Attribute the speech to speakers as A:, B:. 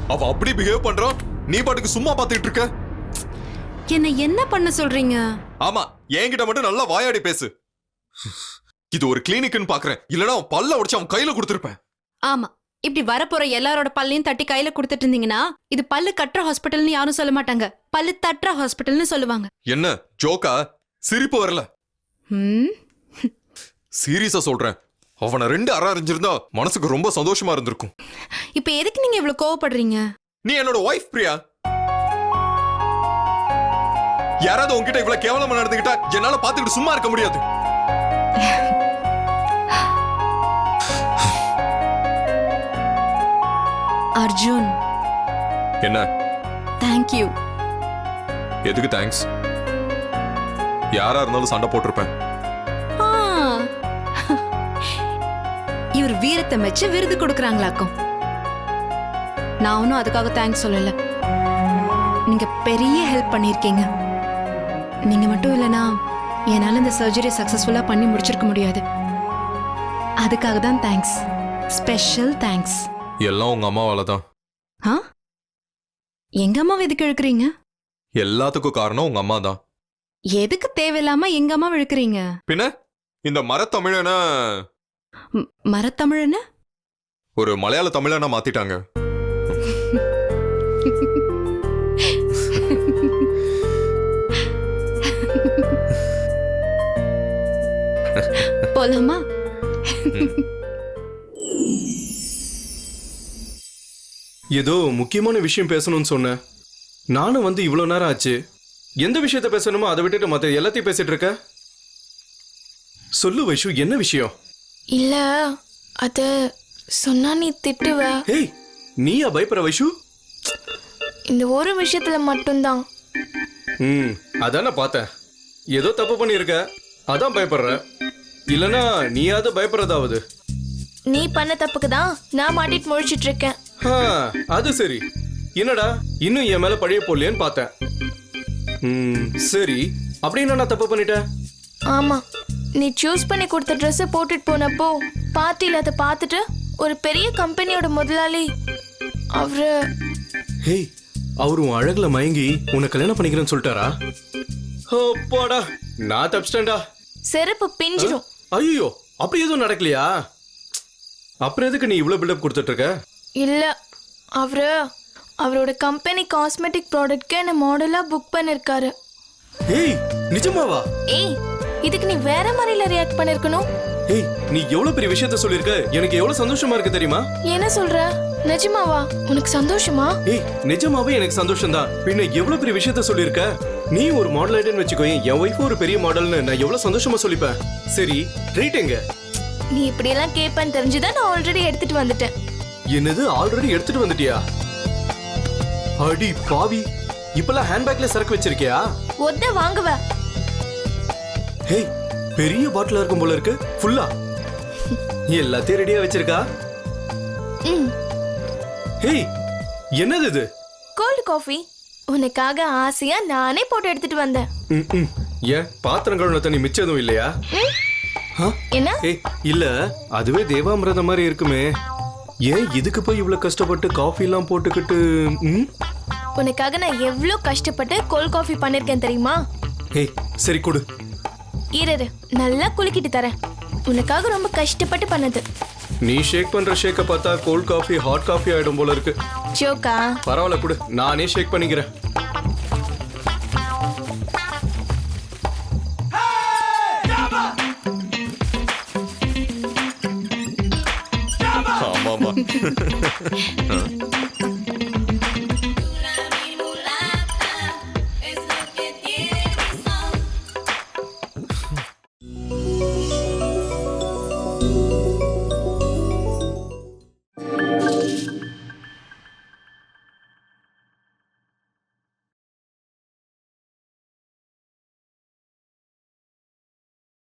A: அவ அப்படி பிஹேவ் பண்றான், நீ பாட்டுக்கு சும்மா பாத்துட்டு இருக்க.
B: என்ன பண்ண சொல்றீங்க?
A: ஆமா, என்கிட்ட மட்டும் நல்லா வாயாடி பேசு. இது ஒரு கிளினிக்னு பாக்குறேன், இல்லனா அவன் பல்ல உடைச்சு அவன் கையில கொடுத்திருப்பேன்.
B: ஆமா, இப்படி வரப்போற எல்லாரோட பல்லையும் தட்டி கையில கொடுத்துட்டு இருந்தீங்கன்னா இது பல்லு கட்டுற ஹாஸ்பிட்டல்னு யாரும் சொல்ல மாட்டாங்க, பல்லு தட்டுற ஹாஸ்பிட்டல்னு சொல்லுவாங்க.
A: என்ன ஜோக்கா? சிரிப்பு வரல? சீரியஸா சொல்றேன், அவனை 2 அறை அறிஞ்சிருந்தா மனசுக்கு ரொம்ப சந்தோஷமா இருந்திருக்கும்.
B: இப்ப எதுக்கு நீங்க இவ்வளவு கோவப்படுறீங்க?
A: நீ என்னோட வைஃப் பிரியா. யாராவது உன்கிட்ட இவ்வளவு கேவலமா நடந்துக்கிட்டா என்னால பாத்துக்கிட்டு சும்மா இருக்க முடியாது.
B: அர்ஜுன்.
A: என்ன?
B: தேங்க்யூ.
A: எதுக்கு தேங்க்ஸ்? யாரா இருந்தாலும் சண்டை போட்டிருப்பேன்.
B: இவர் வீரத்தை மெச்சு விருது கொடுக்கறாங்களாக்கும். நான் ஒன்னும் அதுக்காக தேங்க்ஸ் சொல்லல. நீங்க பெரிய ஹெல்ப் பண்ணிருக்கீங்க. நீங்க மட்டும் இல்லனா என்னால இந்த சர்ஜரி சக்சஸ்ஃபுல்லா பண்ணி முடிச்சிருக்க முடியாது. அதுக்காக தான் தேங்க்ஸ், ஸ்பெஷல் தேங்க்ஸ்.
A: எல்லாம் உங்க அம்மாவால தான்.
B: எங்க அம்மாவை எதுக்கு இழுக்கிறீங்க?
A: எல்லாத்துக்கும் காரணம் உங்க அம்மா தான்.
B: எதுக்கு தேவையில்லாம எங்க அம்மா இழுக்கிறீங்க?
A: பின்ன இந்த மரத்தமிழன
B: மரத்தமிழன
A: ஒரு மலையாள தமிழனா மாத்திட்டாங்க.
B: போலாமா?
C: ஏதோ முக்கியமான விஷயம் பேசணும்னு சொன்னேன். நானும் வந்து இவ்வளவு நேரம் ஆச்சு. எந்த விஷயத்த பேசணுமோ அதை விட்டுட்டு மற்ற எல்லாத்தையும் பேசிட்டு இருக்க. சொல்லு வைஷு, என்ன விஷயம்?
D: இல்ல அத சொன்னா நீ திட்டுவ.
C: ஏய், நீயா பயப்படுற வைஷு?
D: இந்த ஒரு விஷயத்துல மட்டும்தான்.
C: அதான் நான் பார்த்தேன். ஏதோ தப்பு பண்ணியிருக்க, அதான் பயப்படுற. இல்லனா நீயாவது பயப்படுறதாவது?
D: நீ பண்ண தப்புக்கு தான் நான் மாட்டிட்டு முழிச்சிட்டு இருக்கேன்.
C: அது சரி. என்னடா இன்னும் என் மேல பழைய போடலையேன்னு பார்த்தேன். சரி, அப்படின்னு நான் தப்பு பண்ணிட்டேன்.
D: ஆமா, நீ சூஸ் பண்ணி கொடுத்த ட்ரெஸ் போட்டுட்டு போனப்போ பார்ட்டியில அதை பார்த்துட்டு ஒரு பெரிய கம்பெனியோட முதலாளி அவரு
C: அவரு உன் அழகுல மயங்கி உன்னை கல்யாணம் பண்ணிக்கிறேன்னு சொல்லிட்டாரா? போடா, நான் தப்பிச்சிட்டேன்டா.
D: செருப்பு பிஞ்சிடும்.
C: ஐயோ, அப்படி எதுவும் நடக்கலையா? அப்புறம் எதுக்கு நீ இவ்வளவு பில்டப் கொடுத்துட்டு இருக்க?
D: இல்ல, அவரோட கம்பெனி காஸ்மெட்டிக் ப்ராடக்ட்க்கு என்ன மாடலா புக் பண்ணிருக்காரு.
C: நிஜமாவா?
D: இதுக்கு நீ வேற மாதிரில ரியாக்ட் பண்ணிருக்கணும்.
C: நீ எவ்வளவு பெரிய விஷயத்த சொல்லிருக்க, எனக்கு எவ்வளவு சந்தோஷமா இருக்கு தெரியுமா?
D: என்ன சொல்ற? நிஜமாவா? உனக்கு சந்தோஷமா?
C: நிஜமாவே எனக்கு சந்தோஷம் தான். பின்ன எவ்வளவு பெரிய விஷயத்த சொல்லிருக்க. நீ ஒரு மாடல் ஐட்டன்னு வச்சுக்கோ, என் ஒய்ஃப் ஒரு பெரிய மாடல்னு நான் எவ்வளவு சந்தோஷமா சொல்லிப்பேன். சரி, ட்ரீட் எங்க?
D: நீ இப்படி எல்லாம் கேட்பேன்னு தெரிஞ்சுதான் நான் ஆல்ரெடி எடுத்துட்டு வந்துட்டேன்.
C: என்னது, ஆல்ரெடி எடுத்துட்டு வந்துட்டியா? அடி பாவி, இப்பெல்லாம் ஹேண்ட்பேக்ல சரக்கு வச்சிருக்கியா?
D: ஒத்த வாங்குவ.
C: பெரிய பாட்டிலா இருக்கும் போல இருக்கு. ஃபுல்லா எல்லாத்தையும் ரெடியா வச்சிருக்கா? என்னது இது?
D: Cold coffee. உனக்காக ஆசையா நானே போட்டு எடுத்துட்டு வந்தேன்.
C: ஏன் பாத்திரம் கழுவுன தண்ணி மிச்சம் எதுவும் இல்லையா?
D: என்ன?
C: இல்ல, அதுவே தேவாமிரதம் மாதிரி இருக்குமே. ஏன் இதுக்கு போய் இவ்வளவு கஷ்டப்பட்டு காஃபி எல்லாம் போட்டுக்கிட்டு?
D: உனக்காக நான் எவ்வளவு கஷ்டப்பட்டு கோல்ட் காஃபி பண்ணிருக்கேன் தெரியுமா?
C: சரி கொடு.
D: இரு, நல்லா குலுக்கிட்டு தரேன். உனக்காக ரொம்ப கஷ்டப்பட்டு பண்ணது.
C: நீ ஷேக் பண்ற ஷேக்க பார்த்தா கோல்ட் காஃபி ஹாட் காஃபி ஆயிடும் போல இருக்கு.
D: ஜோக்கா?
C: பரவாயில்ல கொடு, நானே ஷேக் பண்ணிக்கிறேன்.
A: ஆமாமா.